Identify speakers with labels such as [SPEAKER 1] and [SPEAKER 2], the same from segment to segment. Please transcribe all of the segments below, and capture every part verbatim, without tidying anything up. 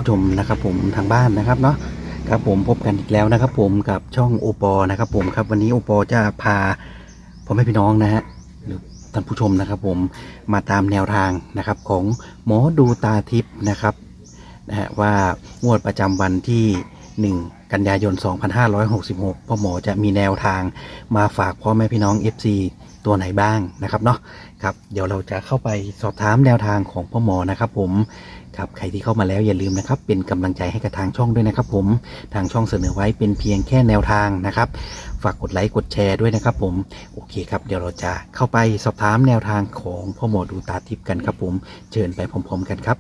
[SPEAKER 1] ผู้ชมนะครับผมทางบ้านนะครับเนาะครับผมพบกันอีกแล้วนะครับผมกับช่องโอปอนะครับผมครับวันนี้โอปอจะพาพ่อแม่พี่น้องนะฮะหรือท่านผู้ชมนะครับผมมาตามแนวทางนะครับของหมอดูตาทิพย์นะครับนะฮะว่างวดประจำวันที่หนึ่งกันยายนสองพันห้าร้อยหกสิบหกพ่อหมอจะมีแนวทางมาฝากพ่อแม่พี่น้อง เอฟ ซี ตัวไหนบ้างนะครับเนาะครับเดี๋ยวเราจะเข้าไปสอบถามแนวทางของพ่อหมอนะครับผมครับใครที่เข้ามาแล้วอย่าลืมนะครับเป็นกำลังใจให้กับทางช่องด้วยนะครับผมทางช่องเสนอไว้เป็นเพียงแค่แนวทางนะครับฝากกดไลค์กดแชร์ด้วยนะครับผมโอเคครับเดี๋ยวเราจะเข้าไปสอบถามแนวทางของพ่อหมอดูตาทิพย์กันครับผมเชิญไปพร้อมๆกันครับ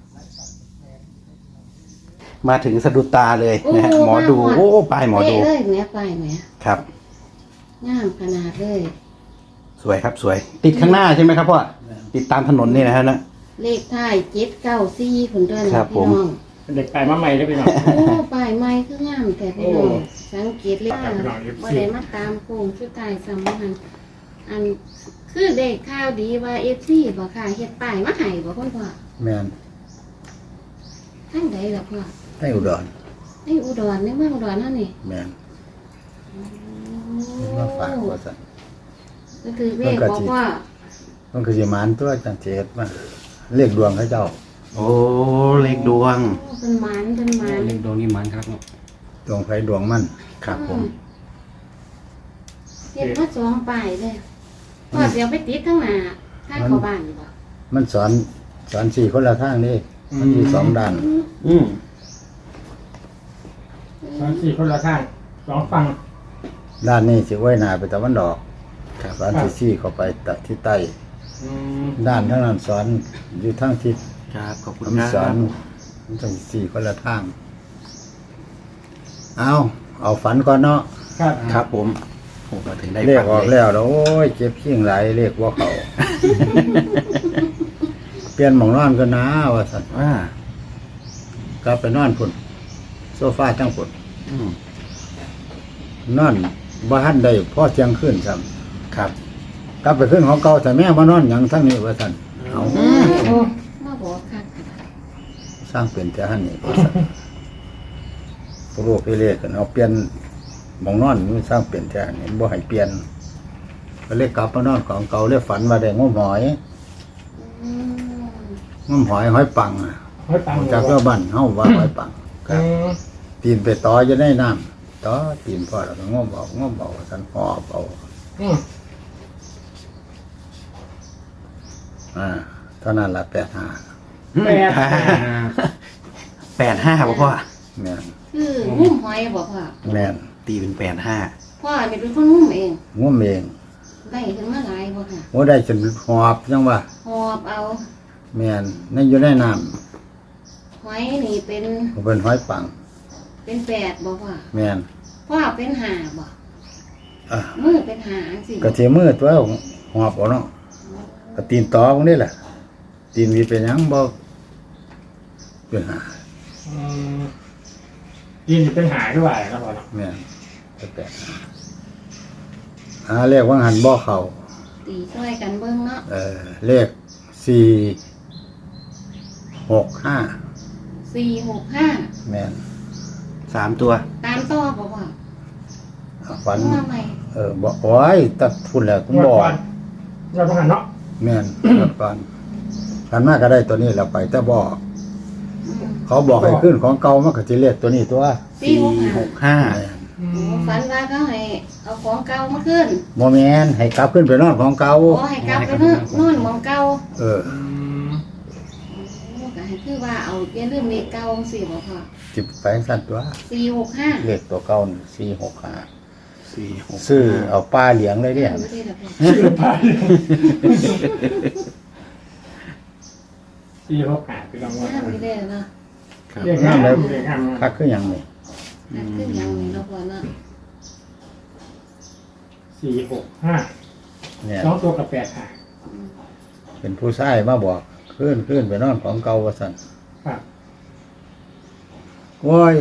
[SPEAKER 1] มาถึงสะดุดตาเลยนะฮะหมอดูโอ้ป้ายหมอดู
[SPEAKER 2] เลยแม่ป้ายแม่
[SPEAKER 1] ครับ
[SPEAKER 2] งามขนาดเลย
[SPEAKER 1] สวยครับสวยติดข้างหน้าใช่ไหมครับพ่อติดตามถนนนี่นะฮะนะ
[SPEAKER 2] เลขท้ายเจ็ดเก้าสี่คนด้วยนะพี่น้อง
[SPEAKER 3] เด็กไปมาใหม่ได้พี่น้อง
[SPEAKER 2] โอ้ป้ายใหม่คืองามแต่พี่น้องสังเกตเลยว่าบ่ได้มาตามโค้งสุดท้ายสำคัญอันคือเด็กข่าวดีว่า เอฟ ซี บ่ค่ะเฮ็ดป้ายมาให้บ่คุณพ่อ
[SPEAKER 4] แม่น
[SPEAKER 2] ทางใดล่ะพ่อ
[SPEAKER 4] ให้อุดร
[SPEAKER 2] ในอุดรในเมืองอุดรเฮานี่
[SPEAKER 4] แม่นมาฝากว่าซั่น
[SPEAKER 2] ก็คือเลขบอกว่า
[SPEAKER 4] มันคือสิมานตัวจังเจ็ดมาเลขดวงเขาเจ้า
[SPEAKER 1] โอ้เลขดวง
[SPEAKER 2] เป็นหมานเป็นหมาน
[SPEAKER 3] เลขดวงนี่มันครับ
[SPEAKER 4] ดวงไฟดวงมัน
[SPEAKER 1] ครับผม
[SPEAKER 2] เฮ็ดมาสองป้ายเลยพ่อสิเอาไปติดข้างหน้าทางเข้าบ้านบ่
[SPEAKER 4] มันสอนสอนสี่คนละทางนี่มันมีสองด้าน
[SPEAKER 1] อืม
[SPEAKER 3] สองสี่คนละข้างสองฝั่ง
[SPEAKER 4] ด้านนี้สิไว้หน้าไปตะวันออกสอนที่สี่เข้าไปตะที่ใต้ด้านทั้งนั้นสอนอยู่ทางทิศ
[SPEAKER 1] ครับขอบคุณครับ
[SPEAKER 4] สอนมันจังสี่คนละทางเอาเอาฝันก่อนเนาะ
[SPEAKER 3] ครับ
[SPEAKER 1] ครับผมผมมาถึงได้
[SPEAKER 4] เลขออกแล้วแล้วโอ้ยเจ็บขี้งไหลเลขว่าเขาเปลี่ยนหมองนอนก็นะว่าสัตว์
[SPEAKER 1] ว่
[SPEAKER 4] ากลับไปนอนพุ่นโซฟาจังพุ่นนอนบ้านได้พ่อเที่ยงขึ้นซ้
[SPEAKER 1] ำครับ
[SPEAKER 4] กลับไปขึ้นของเก่าแต่แม่มานอนอย่างทั้งนี้ว่าสัตว์เอา
[SPEAKER 2] มาบอกค่ะ
[SPEAKER 4] สร้างเป็นแต่หันนี่ว่าสัตว์พวกลูกไปเรียกกันเอาเปลี่ยนหมองนอนมันสร้างเปลี่ยนแต่นี่บ่ให้เปลี่ยนก็เลยกลับมานอนของเก่าเลยฝันว่าได้งมหอยงมหอยหอยปังอ่ะจากเจ้าบ้านเฮาว่าหอยปังครับตีนไปต่อจะได้น้ำต่อตีนพ่อแล้วก็งมเอางมเอาสันหอบเอาอ่าเท่านั้นละแปดห้า
[SPEAKER 3] แปดห้า
[SPEAKER 1] แปดห้าบ่พ่อ
[SPEAKER 4] แม่น
[SPEAKER 2] คืองุ้มหอยบ่พ่อ
[SPEAKER 4] แม่น
[SPEAKER 1] ตีเป็นแปดห้า
[SPEAKER 2] พ่อนี่เป็นคนงุ้มเอง
[SPEAKER 4] งุ้มเอง
[SPEAKER 2] ได้ถึงมาหลายบ่ค่ะ
[SPEAKER 4] โอ้ได้จนหอบจังว่า
[SPEAKER 2] หอบเอา
[SPEAKER 4] แม่นนั่นอยู่ในน้
[SPEAKER 2] ำหอยนี่เป็น
[SPEAKER 4] เป็นหอยปัง
[SPEAKER 2] เป็นแปดบ่พ่อ
[SPEAKER 4] แม่น
[SPEAKER 2] พ่อเป็นห้าบ่มือเป็นห้าสิ
[SPEAKER 4] กระเทียมมือตัวหอบเอาเนาะกระตีนต่อพวกนี้แหละตีนมีเป็นยังบ่เป็นหา
[SPEAKER 3] ยินเป็นหาด้วยครับพ่อ
[SPEAKER 4] แม่นแปดอ่าเลขว่าหันบ่เข้า
[SPEAKER 2] ตีช่วยกันเบิ่งเนาะ
[SPEAKER 4] เออเลขสี่หกห้า
[SPEAKER 2] สี่หกห้า
[SPEAKER 4] แม่น
[SPEAKER 1] สามตัว
[SPEAKER 2] ตามต่อบ่ว่า
[SPEAKER 4] ฝันเออบอกโอ้ยตัดทุนแล้วคุณบอก
[SPEAKER 3] เราต้องหันเนาะ
[SPEAKER 4] แม่นตัดก่อนขันมากก็ได้ตัวนี้เราไปแต่บอกเขาบอกให้ขึ้นของเก่ามันก็จะเรียกตัวนี้ตัว
[SPEAKER 2] สี่หกห้าฝันว่าเขาให้เอาของเก่ามาขึ้น
[SPEAKER 4] โมเมนให้กลับขึ้นไปนอนของเก่า
[SPEAKER 2] อ๋อให้กลับไปนอนนอนของเก่า
[SPEAKER 4] เออ
[SPEAKER 2] ก็ให้คือว่าเอาเปลี่ยนเรื่องเลขเก่าสี่บ่พอ
[SPEAKER 4] จิบไปสั้นตัว
[SPEAKER 2] สี่หกห้า
[SPEAKER 4] เลขตัวเก่าสี่หกห้าสี่หกซื้อเอาปลาเหลียงเลยเนี่ย
[SPEAKER 3] ซื้อปลาเหลียงสี่หกห้าคือรางวัล
[SPEAKER 2] ไม่ได้เนาะ
[SPEAKER 4] เรียกงามเลยคักขึ้นยังนี่
[SPEAKER 2] คักขึ้นยังนี่เราพอเนาะ
[SPEAKER 3] สี่หกห้าสองตัวกับแปดห้า
[SPEAKER 4] เป็นผู้ชายมาบอกขึ้นขึ้นไปนอนของเก่าว่าสั่น
[SPEAKER 3] ครับ
[SPEAKER 4] โอ้ย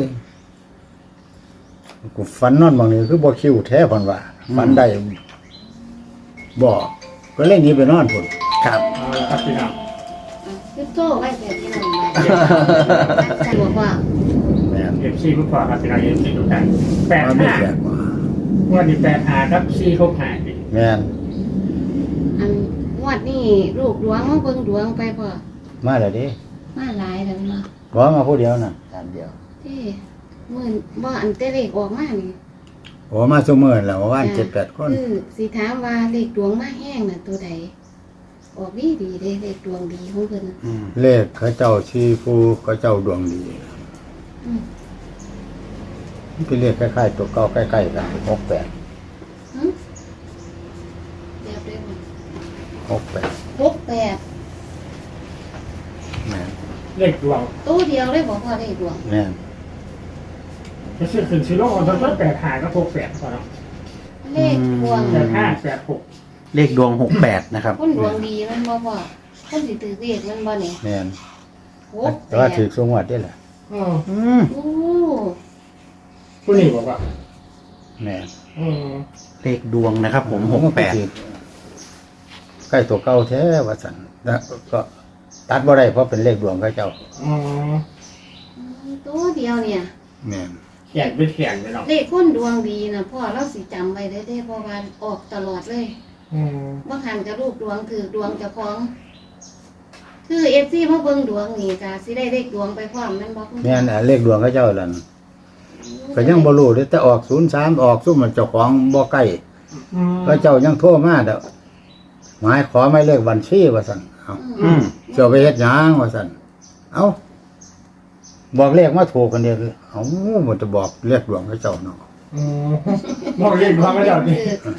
[SPEAKER 4] กูฝันนอนบางนี้คือบ่คิวแท้ผ่อนว่าฝันได้บอกก็เล่นนี้ไปนอนพุ่น
[SPEAKER 1] ครับ
[SPEAKER 3] เอาละครับพี่น้อง
[SPEAKER 2] คือโซ่ไว้แต่ที่นั่นสะดวกว่า
[SPEAKER 4] แม่น
[SPEAKER 3] เอฟซีผู้พอครับพี่น้องเอฟซีทุกท่านแปด
[SPEAKER 4] มันไม่
[SPEAKER 3] ห้า
[SPEAKER 4] แปลกว่า
[SPEAKER 3] วันนี้แปดห้าครับซีหกห้าดิ
[SPEAKER 4] แม่น
[SPEAKER 2] อันงวดนี้ลูกหลวงมาเบิ่งดวงไปพ่อ
[SPEAKER 4] มาแล้วดิ
[SPEAKER 2] มาหลายแล้วมา
[SPEAKER 4] บ่มาผู้เดียวน่ะตามเดียว
[SPEAKER 2] ที่มื่นบ่อันเตเลขออกมานี่
[SPEAKER 4] โอ้มาซุมื้อแล้วว่าเจ็ดแปดคน
[SPEAKER 2] คือสิถามว่าเลขดวงมาแห้งน่ะตัวใดออกดีดีเลยเลขดวงดีของเพิ่น
[SPEAKER 1] อืม
[SPEAKER 4] เลขเขาเจ้าชีผู้เขาเจ้าดวงดี
[SPEAKER 2] อืม
[SPEAKER 4] มันเป็นเลขคล้ายๆตัวเก่าใกล้ๆกันหกแปด
[SPEAKER 2] หึเดี๋ยวเดี๋ยว
[SPEAKER 4] หกแปด
[SPEAKER 2] หกแปด
[SPEAKER 4] แม่น
[SPEAKER 3] เลขดวง
[SPEAKER 2] ตัวเดียวเลยบอกว่าเลขดวง
[SPEAKER 4] แม่น
[SPEAKER 3] จะซื้อขึ้นซื้อลงเอาตั้งแต่แปดห้าก็หกแปดก่อนเนาะ
[SPEAKER 2] เลขดวง
[SPEAKER 3] แปดห้าแปดหก
[SPEAKER 1] เลขดวงหกแปดนะครับ
[SPEAKER 2] คนดวงดีมันบ่พ่อคนสิถือเลขมันบ่นี่
[SPEAKER 4] แม่น
[SPEAKER 2] หกแป
[SPEAKER 4] แต่ว่า
[SPEAKER 2] ด
[SPEAKER 4] ถือสูงวัดได้แหละ
[SPEAKER 3] อ๋อ
[SPEAKER 1] อืม
[SPEAKER 2] โอ้
[SPEAKER 3] ผู้นี้บอกว่า
[SPEAKER 4] แม่น
[SPEAKER 3] อืม
[SPEAKER 1] เลขดวงนะครับ ผมหกแปด
[SPEAKER 4] ใกล้ตัวเก่าแท้ว่าสันแล้วก็ตัดบ่ได้เพราะเป็นเลขดวงเขาเจ้า
[SPEAKER 3] อ๋อ
[SPEAKER 2] ตัวเดียวเนี่ย
[SPEAKER 4] แม่น
[SPEAKER 3] แข่งเป็นแข่งไปเนาะ
[SPEAKER 2] เลขคนดวงดีนะพ่อเราสิจำไว้ได้เด้เพราะว่าออกตลอดเลย
[SPEAKER 3] อืม
[SPEAKER 2] บ่หันกับลูกดวงถือดวงเจ้าของ คือเอฟซีมาเบิ่งดวงนี่ก็สิได้เลขดวงไปพร้อมแม่นบ่คุณ
[SPEAKER 4] แม่นอ่ะเลขดวงเขาเจ้าล่ะก็ยังบ่รู้เด้อแต่ออกศูนย์สามออกซุ่มมันเจ้าของบ่ใกล้
[SPEAKER 3] อืม
[SPEAKER 4] เขาเจ้ายังโทรมาเด้อหมายขอหมายเลขบัญชีว่าซั่นเอ้า
[SPEAKER 1] อืม
[SPEAKER 4] เจ้าไปเฮ็ดหยังว่าซั่นเอ้าบอกเลขมาถูกกันเด้อเอ้ามันจะบอกเลขดวงเขาเจ้าเนาะ
[SPEAKER 3] อืมมองเลขดวงก็เจ้าดิ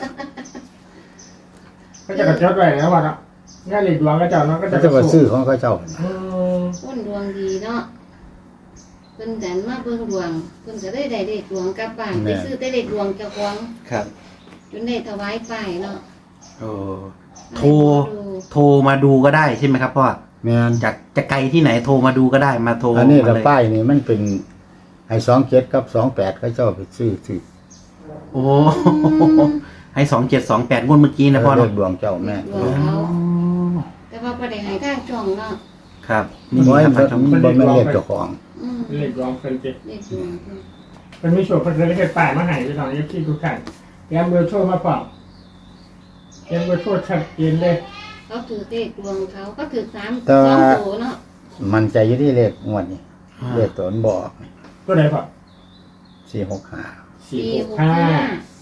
[SPEAKER 3] ก็จะกระจดไว้นะว่าเนาะงานเลขดวงก็เจ้าเนาะก็จะ
[SPEAKER 4] เขาจะว่าซื้อของเขาเจ้า
[SPEAKER 3] อืม
[SPEAKER 2] คนดวงดีเนาะเพิ่นกันมาเบิ่งดวงเพิ่นก็ได้ได้เลขดวงกลับบ้านไปซื้อแต่เลขดวงเจ้าของ
[SPEAKER 1] ครับ
[SPEAKER 2] จนได้ถวายป้ายเนาะ
[SPEAKER 1] โอ้โทร โทรมาดูก็ได้ใช่ไหมครับพ่อ
[SPEAKER 4] แม่น
[SPEAKER 1] จากจะไกลที่ไหนโทรมาดูก็ได้มาโทร
[SPEAKER 4] อันนี้
[SPEAKER 1] มา
[SPEAKER 4] ละ
[SPEAKER 1] เลย
[SPEAKER 4] ป้ายนี่มันเป็นไอ้สองเจ็ดกับสองแปดเขาเจ้าไปซื้อซื้อ
[SPEAKER 1] โอ้ ให้สองเจ็ดสองแปดงวดเมื่อกี้นะพ่อ
[SPEAKER 4] เล
[SPEAKER 1] เนาะ
[SPEAKER 4] ขดวงเจ้าแม่
[SPEAKER 2] ดวงเขาแต่ว่าบ่ได้ให้ทางช่องเนาะ
[SPEAKER 1] ครับนี่
[SPEAKER 4] น้อย
[SPEAKER 1] ครับ
[SPEAKER 4] บ่
[SPEAKER 1] ทาง
[SPEAKER 4] บ่แม่นเลขเจ้าของ
[SPEAKER 2] อืม
[SPEAKER 3] เลขดวงเป็นเจ็ด
[SPEAKER 2] เลขดวงเพิ่น
[SPEAKER 3] เป็นมิโชคเป็นเลขป่ายมาให้พี่น้องเอฟซีทุกท่านแกมเบอร์โชว์มาเปล่าแกมเบอร์โชว์ชัดเจนเลย
[SPEAKER 2] เขาถือเลขดวงเขาก็ถือสาม
[SPEAKER 4] แต่
[SPEAKER 2] ส
[SPEAKER 4] ว่า
[SPEAKER 2] องตัวเนาะ
[SPEAKER 4] มันใจอยู่ที่เลขงวดนี้เลขตัวมันบอก
[SPEAKER 3] ก็ไหนพ่อ
[SPEAKER 4] สี่หกห้า
[SPEAKER 3] สี่
[SPEAKER 2] สี่
[SPEAKER 3] ห
[SPEAKER 2] ห
[SPEAKER 3] ก
[SPEAKER 2] ก
[SPEAKER 3] ห้า
[SPEAKER 2] ห้า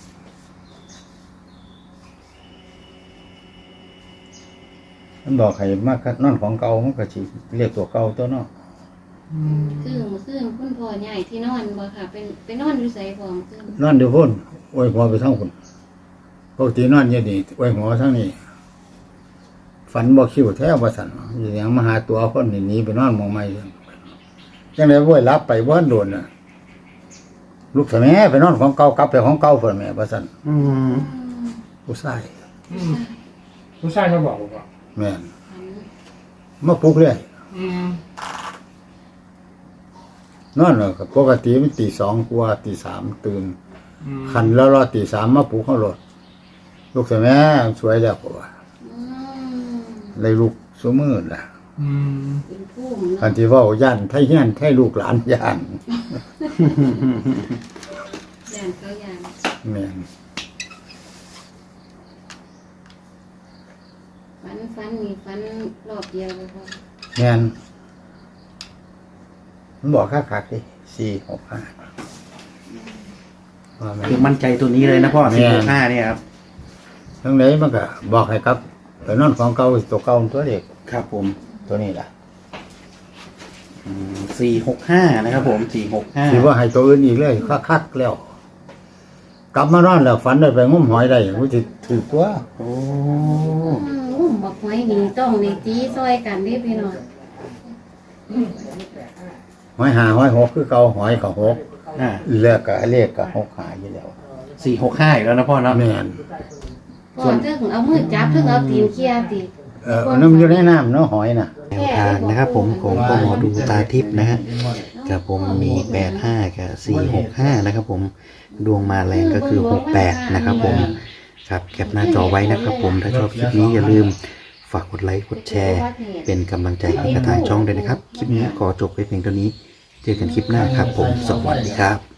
[SPEAKER 4] มันบอกให้มากนอนของเก่ามันก็สิเลขตัวเก่าตัวเนาะ
[SPEAKER 2] คือเมื่อคืนคุณพ่อใหญ่ที่นอนบ่ค่ะเป็นไปนอนอยู่ไสบ่เมื่อคืน
[SPEAKER 4] นอนอยู่พุ่นโอ้ยหัวไปทั้งพุ่นปกตินอนอยู่นี่โอ้ยหัวทั้งนี้ฝันบ่คิวแท้ว่าซั่นอยู่หยังมาหาตัวคนนี่หนีไปนอนหมองใหม่จังได๋บ่รับไปบ่โดนน่ะลูกสะแม่ไปนอนของเก่ากลับไปของเก่าพุ่นแม่ว่าซั่น
[SPEAKER 1] อืม
[SPEAKER 2] อืม
[SPEAKER 4] ผู้ชาย
[SPEAKER 3] อืมผู้ชายมาบอกว่า
[SPEAKER 4] แม่น
[SPEAKER 2] ฝัน
[SPEAKER 4] มาปลุกเลย
[SPEAKER 3] อืม
[SPEAKER 4] นอนแล้วก็ปกติมันตีสองกว่าตีสามตื่น
[SPEAKER 3] อืม
[SPEAKER 4] คันแล้วรอตีสามมาปลุกเขารถลูกสะแม่สวยแล้วกว่า
[SPEAKER 2] อืม
[SPEAKER 4] เลยลูกซุมือล่ะ
[SPEAKER 3] อืม
[SPEAKER 2] เป็นผู้
[SPEAKER 4] คัน
[SPEAKER 2] เนาะ
[SPEAKER 4] ที่เว้าย่านไทเฮียนไทลูกหลานย่าน
[SPEAKER 2] ย่านเขาย่าน
[SPEAKER 4] แม่น
[SPEAKER 2] ฝันฝันนี่ฝันรอบเดียวเลยพ่อ
[SPEAKER 4] แม่นมันบอกคักๆดิสี่หกห้าว่าแม่น
[SPEAKER 1] คือมั่นใจตัวนี้เลยนะพ่อ
[SPEAKER 4] แม่
[SPEAKER 1] สี่หกห้าเนี่ยครับ
[SPEAKER 4] ทั้งไหนมันก็บอกให้ครับไปนอนของเก่าตัวเก่าตัวเด็ก
[SPEAKER 1] ครับผม
[SPEAKER 4] ตัวนี้ล่ะ
[SPEAKER 1] สี่หกห้านะครับผมสี่หกห้า
[SPEAKER 4] สิว่าให้ตัวอื่นอีกเลยคักๆแล้ว กลับมานอนแล้วฝันได้ไปงมหอยได้มันสิถือตัว
[SPEAKER 1] โอ้
[SPEAKER 2] อืมอุ้มบอกไว้นี่ต้องในตีซอยกันเด้พี่น้อง
[SPEAKER 4] หอยหาหอยหกคือเก่าหอยกับหก
[SPEAKER 1] อ่า
[SPEAKER 4] เลือกกับเลขกับหกหาอยู่แล้ว
[SPEAKER 1] สี่หกห้าอีกแล้วนะพ่อเนาะ
[SPEAKER 4] แม่น
[SPEAKER 2] พ่อถึงเอามือจับถึงเอาตีนเคี่ยติ
[SPEAKER 4] เออน้ำอยู่ในน้ำเนาะหอยน่ะ
[SPEAKER 1] แนวทางนะครับผมของพ่อหมอดูตาทิพย์นะฮะกับผมมีแปดห้ากับสี่หกห้านะครับผมดวงมาแรงก็คือหกแปดนะครับผมครับแคปหน้าจอไว้นะครับผมถ้าชอบคลิปนี้อย่าลืมฝากกดไลค์กดแชร์ เป็นกำลังใจให้กับทางช่องด้วยนะครับ คลิปนี้ขอจบไปเพียงเท่านี้ เจอกันคลิปหน้าครับผม สวัสดีครับ